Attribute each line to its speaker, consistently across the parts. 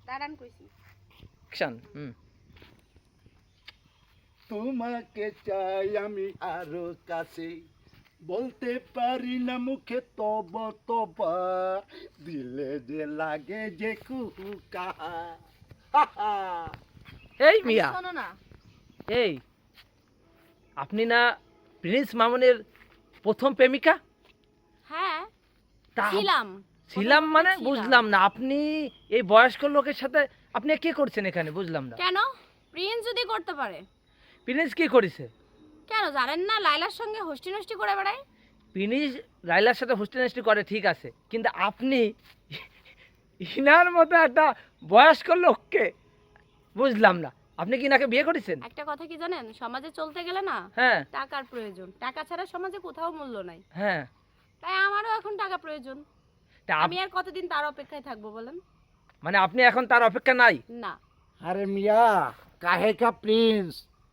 Speaker 1: দাঁড়ান কইছি
Speaker 2: অ্যাকশন।
Speaker 3: তোমাকে চাই আমি আরো কাছে, বলতে পারি না মুখে তব তবা, দিলে যে লাগে যে কুহুকা।
Speaker 2: এই মিয়া,
Speaker 1: শোনো না
Speaker 2: এই আপনি না প্রিন্স মামুনের প্রথম প্রেমিকা?
Speaker 1: হ্যাঁ
Speaker 2: তা
Speaker 1: ছিলাম
Speaker 2: মানে বুঝলাম না, আপনি এই বয়স্ক লোকের সাথে আপনি কি করছেন এখানে, বুঝলাম না।
Speaker 1: কেন প্রিন্স যদি করতে পারে?
Speaker 2: প্রিন্স কি করেছে?
Speaker 1: কেন জানেন না লাইলার সঙ্গে হোস্টি নষ্টি করে বেড়ায়?
Speaker 2: প্রিন্স রাইলার সাথে হোস্টেল করে ঠিক আছে, কিন্তু আপনি ইনার মতো একটা বয়স্ক লোককে বুঝলাম না, আপনি কি নাকে বিয়ে করেছেন?
Speaker 1: একটা কথা কি জানেন, সমাজে চলতে গেলে না
Speaker 2: হ্যাঁ
Speaker 1: টাকার প্রয়োজন, টাকা ছাড়া সমাজে কোথাও মূল্য নাই।
Speaker 2: হ্যাঁ,
Speaker 1: তাই আমারও এখন টাকা প্রয়োজন।
Speaker 2: তা
Speaker 1: আমি আর কতদিন তার অপেক্ষায় থাকবো বলেন?
Speaker 2: মানে আপনি এখন তার অপেক্ষা নাই?
Speaker 1: না।
Speaker 3: আরে মিয়া, কাহে কা প্রিন্স,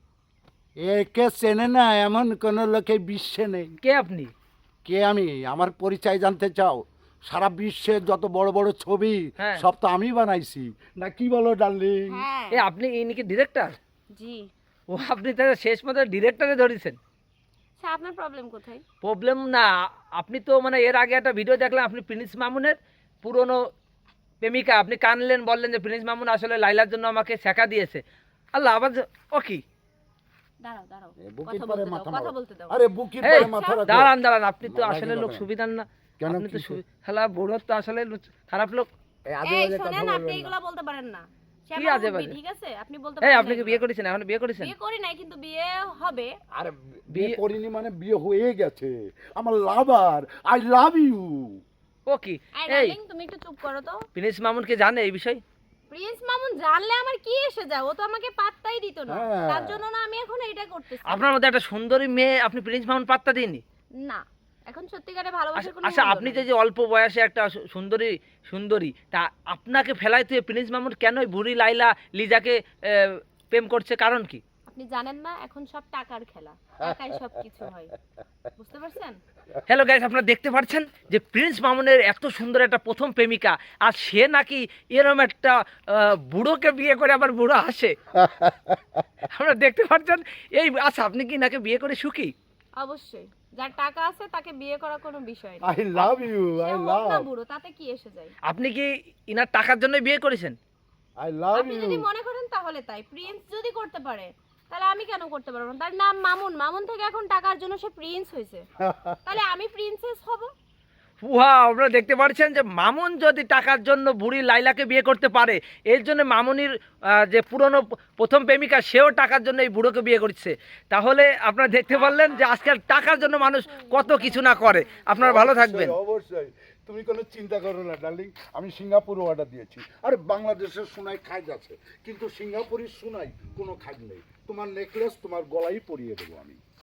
Speaker 3: একে চেনে না এমন কোন লোকে বিশ্বে নেই।
Speaker 2: কে আপনি?
Speaker 3: কে আমি? আমার পরিচয় জানতে চাও? সারা বিশ্বের যত বড় বড় ছবি
Speaker 2: হ্যাঁ।
Speaker 3: সব তো আমি বানাইছি, না কি বলো ডার্লিং?
Speaker 1: হ্যাঁ
Speaker 2: এ আপনি ইনি কি ডিরেক্টর?
Speaker 1: জি।
Speaker 2: ও আপনি তাহলে শেষ মতো ডিরেক্টরে ধরেছেন।
Speaker 1: আচ্ছা আপনার প্রবলেম কোথায়?
Speaker 2: প্রবলেম না, আপনি তো মানে এর আগে একটা ভিডিও দেখলাম, আপনি প্রিন্স মামুনের পুরনো প্রেমিকা, আপনি কানলেন, বললেন যে প্রিন্স মামুন আসলে লাইলার জন্য আমাকে শেখা দিয়েছে। আল্লাহ আবার ও কি?
Speaker 1: দাঁড়াও দাঁড়াও,
Speaker 3: এ বুকের
Speaker 1: কথা
Speaker 3: পরে
Speaker 1: বলতে দাও,
Speaker 3: মাথা
Speaker 1: কথা
Speaker 3: মারো।
Speaker 1: বলতে দাও।
Speaker 3: আরে বুকের
Speaker 2: এই,
Speaker 3: পরে মাথা রাখো।
Speaker 2: দাঁড়ান দাঁড়ান, আপনি তো
Speaker 3: মারা
Speaker 2: আসলে
Speaker 3: গেল
Speaker 2: লোক
Speaker 3: কেন?
Speaker 2: সুবিধার না,
Speaker 3: কেন,
Speaker 2: আপনি তো
Speaker 3: কিসে?
Speaker 2: হ্যালা বুড়ো তো আসলে খারাপ লোক।
Speaker 3: এই আজে
Speaker 1: এই
Speaker 3: বাজে কথা
Speaker 1: শোনেন, আপনি
Speaker 3: বলবেন না।
Speaker 1: এগুলা বলতে পারেন না। সে
Speaker 2: কি
Speaker 1: আমার
Speaker 2: আজে
Speaker 1: মুরব্বি,
Speaker 2: বাজে?
Speaker 1: ঠিক আছে? আপনি বলতে
Speaker 2: এই
Speaker 1: পারেন
Speaker 2: আপনি
Speaker 1: না
Speaker 2: কি বিয়ে
Speaker 1: এগুলা।
Speaker 2: করেছেন? এখন বিয়ে করেছেন?
Speaker 1: বিয়ে করি নাই, কিন্তু বিয়ে হবে।
Speaker 3: আরে বিয়ে
Speaker 2: বিয়ে-
Speaker 3: করিনি মানে বিয়ে হয়ে গেছে। আমার লাভার, আই লাভ ইউ।
Speaker 2: ও কি?
Speaker 1: আই
Speaker 2: এই
Speaker 1: ডার্লিং তুমি একটু চুপ করো তো।
Speaker 2: প্রিন্স মামুন কি জানে এই বিষয়?
Speaker 1: প্রিন্স মামুন জানলে আমার কি এসে যায়? ও তো আমাকে পাত্তাই দিত না।
Speaker 3: হ্যাঁ।
Speaker 1: তার জন্য না আমি এখন এটা করতেছি।
Speaker 2: আপনার মধ্যে একটা সুন্দরী মেয়ে আপনি প্রিন্স মামুন পাত্তা দিননি?
Speaker 1: না, এখন সত্যিকারে ভালোবাসার কোনো
Speaker 2: আচ্ছা,
Speaker 1: মূল্য
Speaker 2: আপনি
Speaker 1: নাই।
Speaker 2: যে অল্প বয়সে একটা সুন্দরী তা আপনাকে ফেলাই তুই প্রিন্স মামুন কেন বুড়ি লাইলা লিজাকে প্রেম করছে, কারণ কি?
Speaker 1: আপনি জানেন না এখন সব টাকার খেলা, টাকায় সব কিছু হয়, বুঝতে পারছেন?
Speaker 2: হ্যালো গাইস, আপনারা দেখতে পাচ্ছেন যে প্রিন্স মামুনের এত সুন্দর একটা প্রথম প্রেমিকা, আর সে নাকি এরকম একটা বুড়োকে বিয়ে করে আবার বুড়ো আসে। আপনারা দেখতে পাচ্ছেন এই। আচ্ছা, আপনি কি নাকি বিয়ে করে সুখী?
Speaker 1: অবশ্যই, যার টাকা আছে তাকে বিয়ে করা কোনো বিষয় না।
Speaker 3: আই লাভ ইউ,
Speaker 1: সে
Speaker 3: আই
Speaker 1: হোক না
Speaker 3: লাভ,
Speaker 1: বুড়ো, তাতে কি এসে যায়?
Speaker 2: আপনি কি ইনার টাকার জন্য বিয়ে করেছেন?
Speaker 3: আই লাভ
Speaker 1: আপনি
Speaker 3: ইউ।
Speaker 1: যদি মনে করেন তাহলে তাই। প্রিন্স যদি করতে পারে তাহলে আমি কেন করতে পারবো না? তার নাম মামুন, মামুন থেকে এখন টাকার জন্য সে প্রিন্স হয়েছে, তাহলে আমি প্রিন্সেস হব।
Speaker 2: ওয়াও, আপনারা দেখতে পাচ্ছেন যে মামুন যদি টাকার জন্য বুড়ি লাইলাকে বিয়ে করতে পারে, এর জন্য মামুনির যে পুরনো প্রথম প্রেমিকা সেও টাকার জন্য এই বুড়োকে বিয়ে করছে। তাহলে আপনারা দেখতে পারলেন যে আজকাল টাকার জন্য মানুষ কত কিছু না করে। আপনারা ভালো থাকবেন।
Speaker 3: অবশ্যই, তুমি কোনো চিন্তা করো না ডার্লিং, আমি সিঙ্গাপুর অর্ডার দিয়েছি। আরে বাংলাদেশের সোনায় খাজ আছে, কিন্তু সিঙ্গাপুরের সোনায় কোনো খাজ নেই। তোমার নেকলেস তোমার গলায় পরিয়ে দেবো আমি।